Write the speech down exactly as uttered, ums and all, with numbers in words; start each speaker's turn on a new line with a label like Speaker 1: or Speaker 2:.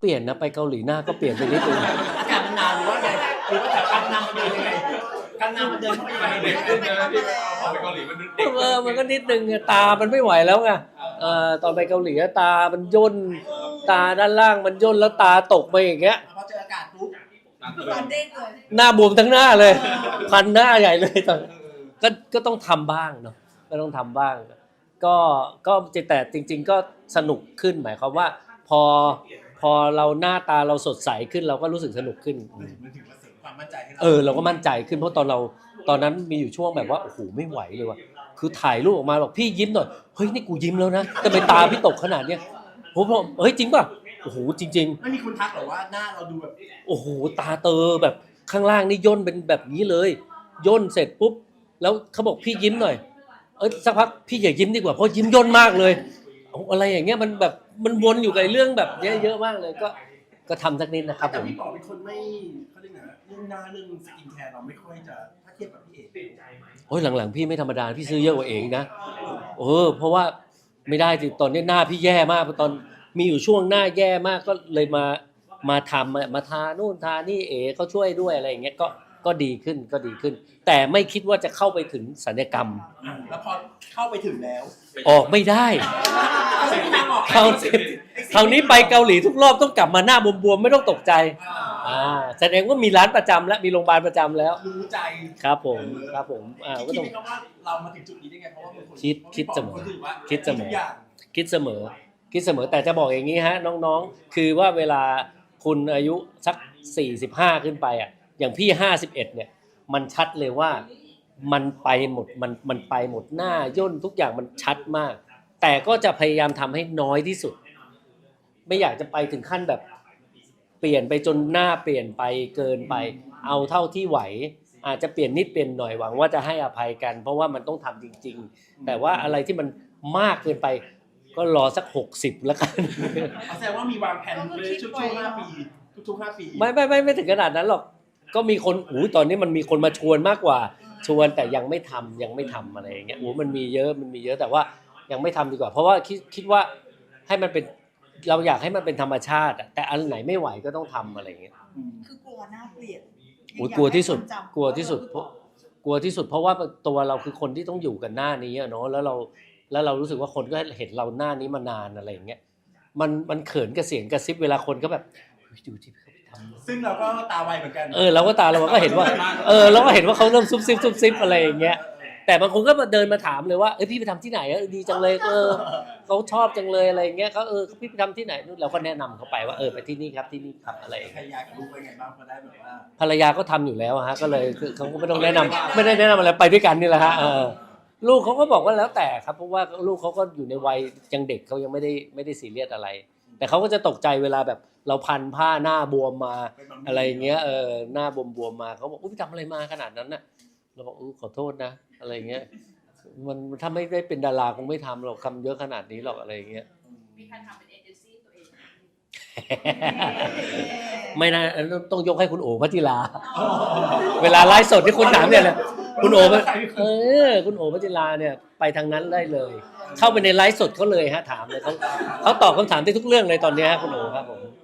Speaker 1: เปลี่ยนนะไปเกาหลีหน้าก็เปลี่ยนไปนิดนึง
Speaker 2: อากาศมันหนาวหรือว่าไงหรือว่าแต่การนำมันเดินยังไงการนำมันเดินเข้าไปยังไง
Speaker 3: ขึ้นนะที่พอไปเกาหลีมันเด็ก
Speaker 1: เออมันก็นิดนึงตามันไม่ไหวแล้วไงเออตอนไปเกาหลีตามันย่นตาด้านล่างมันย่นแล้วตาตกไปอย่างเงี้ย
Speaker 2: พอเจออากาศปุ๊บ
Speaker 4: ตอนเด้งเลย
Speaker 1: หน้าบวมทั้งหน้าเลยพันหน้าใหญ่เลยตอนก็ก็ต้องทำบ้างเนาะก็ต้องทำบ้างก็ก็แต่จริงๆก็สนุกขึ้นหมายความว่าพอพอเราหน้าตาเราสดใสขึ้นเราก็รู้สึกสนุกขึ้น
Speaker 2: มันถึงมาเสริมความมั่นใจให้เรา
Speaker 1: เออเราก็มั่นใจขึ้นเพราะตอนเราตอนนั้นมีอยู่ช่วงแบบว่าโอ้โหไม่ไหวเลยว่ะคือถ่ายรูปออกมาบอกพี่ยิ้มหน่อยเฮ้ยนี่กูยิ้มแล้วนะแต่ไปตาพี่ตกขนาดเนี้ยผมบอกเฮ้ยจริงป่ะโอ้โหจริงๆ
Speaker 2: ไม่มีคนทักหรอว่าหน้าเราดูแบบ
Speaker 1: โอ้โหตาเตอแบบข้างล่างนี่ย่นเป็นแบบนี้เลยย่นเสร็จปุ๊บแล้วเขาบอกพี่ยิ้มหน่อยเอ้ยสักพักพี่อย่ายิ้มดีกว่าเพราะยิ้มย่นมากเลยอะไรอย่างเงี้ยมันแบบมันวนอยู่กับเรื่องแบบเนี้ยเยอะมากเลยก็ก็ทำสักนิดนะครับผ
Speaker 2: แต่
Speaker 1: ม
Speaker 2: พี่ป๋อเป็นคนไม่เขาเรียกไงเรื่องหน้าเรื่องสกินแคร์เราไม่ค่อยจะถ้าเทียบกับพี่เอก
Speaker 1: โอ้ยหลังๆพี่ไม่ธรรมดาพี่ซื้อเยอะกว่าเองนะเออเพราะว่าไม่ได้สิตอนนี้หน้าพี่แย่มากตอนมีอยู่ช่วงหน้าแย่มากก็เลยมามาทำมาทานู่นทานี่เอ๋เขาช่วยด้วยอะไรอย่างเงี้ยก็ก็ดีขึ้นก็ดีขึ้นแต่ไม่คิดว่าจะเข้าไปถึงศัลยกรรม
Speaker 2: แล้วพอเข้าไปถึงแล้ว
Speaker 1: ออกไม่ได้คราวคราวนี้ไปเกาหลีทุกรอบต้องกลับมาหน้าบวมๆไม่ต้องตกใจอ่าแสดงว่ามีร้านประจำแล้วมีโรงพยาบาลประจำแล้ว
Speaker 2: รู้ใจ
Speaker 1: ครับผมครับผมอ่าก็ต้อง
Speaker 2: คิดว่าเรามาถึงจุดนี้ได้ไงเพราะว่าเป็นคน
Speaker 1: คิดคิดเสมอคิดเสมอคิดเสมอคิดเสมอแต่จะบอกอย่างนี้ฮะน้องๆคือว่าเวลาคุณอายุสักสี่สิบห้าขึ้นไปอ่ะอย่างพี่ห้าสิบเอ็ดเนี่ยมันชัดเลยว่ามันไปหมดมันมันไปหมดหน้าย่นทุกอย่างมันชัดมากแต่ก็จะพยายามทำให้น้อยที่สุดไม่อยากจะไปถึงขั้นแบบเปลี่ยนไปจนหน้าเปลี่ยนไปเกินไปเอาเท่าที่ไหวอาจจะเปลี่ยนนิดเปลี่ยนหน่อยหวังว่าจะให้อภัยกันเพราะว่ามันต้องทำจริงๆแต่ว่าอะไรที่มันมากเกินไปก็รอสักหกสิบแล้วกัน
Speaker 2: แสดงว่ามีวางแผนเลยช่วงห้าปีทุกๆห้าปี
Speaker 1: ไม่ไม่ไม่ไม่ถึงขนาดนั้นหรอกก็มีคนอู้ตอนนี้มันมีคนมาชวนมากกว่าชวนแต่ยังไม่ทำยังไม่ทำอะไรอย่างเงี้ยโอ้มันมีเยอะมันมีเยอะแต่ว่ายังไม่ทำดีกว่าเพราะว่าคิดคิดว่าให้มันเป็นเราอยากให้มันเป็นธรรมชาติแต่อันไหนไม่ไหวก็ต้องทำอะไรอย่างเงี้ย
Speaker 4: คือกลัวหน้าเปลี่ยน
Speaker 1: โอ้ยกลัวที่สุดกลัวที่สุดเพราะกลัวที่สุดเพราะว่าตัวเราคือคนที่ต้องอยู่กันหน้านี้เนาะแล้วเราแล้วเรารู้สึกว่าคนก็เห็นเราหน้านี้มานานอะไรอย่างเงี้ยมันมันเขินกระเสียงกระซิบเวลาคนก็แบบดูที่เขาไปทำ
Speaker 2: ซึ่งเราก็ตาไวเหมือนกัน
Speaker 1: เออเราก็ตาเราก็เห็นว่าเออเราก็เห็นว่าเขาเริ่มซุบซิบซุบซิบอะไรอย่างเงี้ยแต่บางคนก็มาเดินมาถามเลยว่าเอ้ยพี่ไปทำที่ไหนเออดีจังเลยเออเขาชอบจังเลยอะไรอย่างเงี้ยเขาเออพี่ไปทำที่ไหนเราก็แนะนำเขาไปว่าเออไปที่นี่ครับที่นี่ครับอะไร
Speaker 2: ภรรยากับลูกเป็นไงบ้างพอได้แบบว่า
Speaker 1: ภรรยาก็ทำอยู่แล้วฮะก็เลยเขาก็ไม่ต้องแนะนำไม่ได้แนะนำอะไรไปด้วยกันนี่แหละฮะเออลูกเขาก็บอกว่าแล้วแต่ครับเพราะว่าลูกเขาก็อยู่ในวัยยังเด็กเขายังไม่ได้ไม่ได้ซีเรียสอะไรแต่เขาก็จะตกใจเวลาแบบเราพันผ้าหน้าบวมมาอะไรอย่างเงี้ยเออหน้าบวมๆมาเขาบอกอุ้ยทำอะไรมาขนาดนั้นน่ะเราบอกอู้ขอโทษนะอะไรอย่างเงี้ยมันถ้าไม่ได้เป็นดาราคงไม่ทำหรอกคำเยอะขนาดนี้หรอกอะไรอย่างเงี้ย
Speaker 4: มีใครทำเป็นเอเจนซี่ตัวเอง
Speaker 1: ไม่นะต้องยกให้คุณโอภัจิราเวลาไลฟ์สดที่คุณถามเนี่ยเลยคุณโอเออคุณโอภัจิราเนี่ยไปทางนั้นได้เลยเข้าไปในไลฟ์สดเขาเลยฮะถามเลยเขาเขาตอบคำถามได้ทุกเรื่องเลยตอนนี้ฮะคุณโอครับผม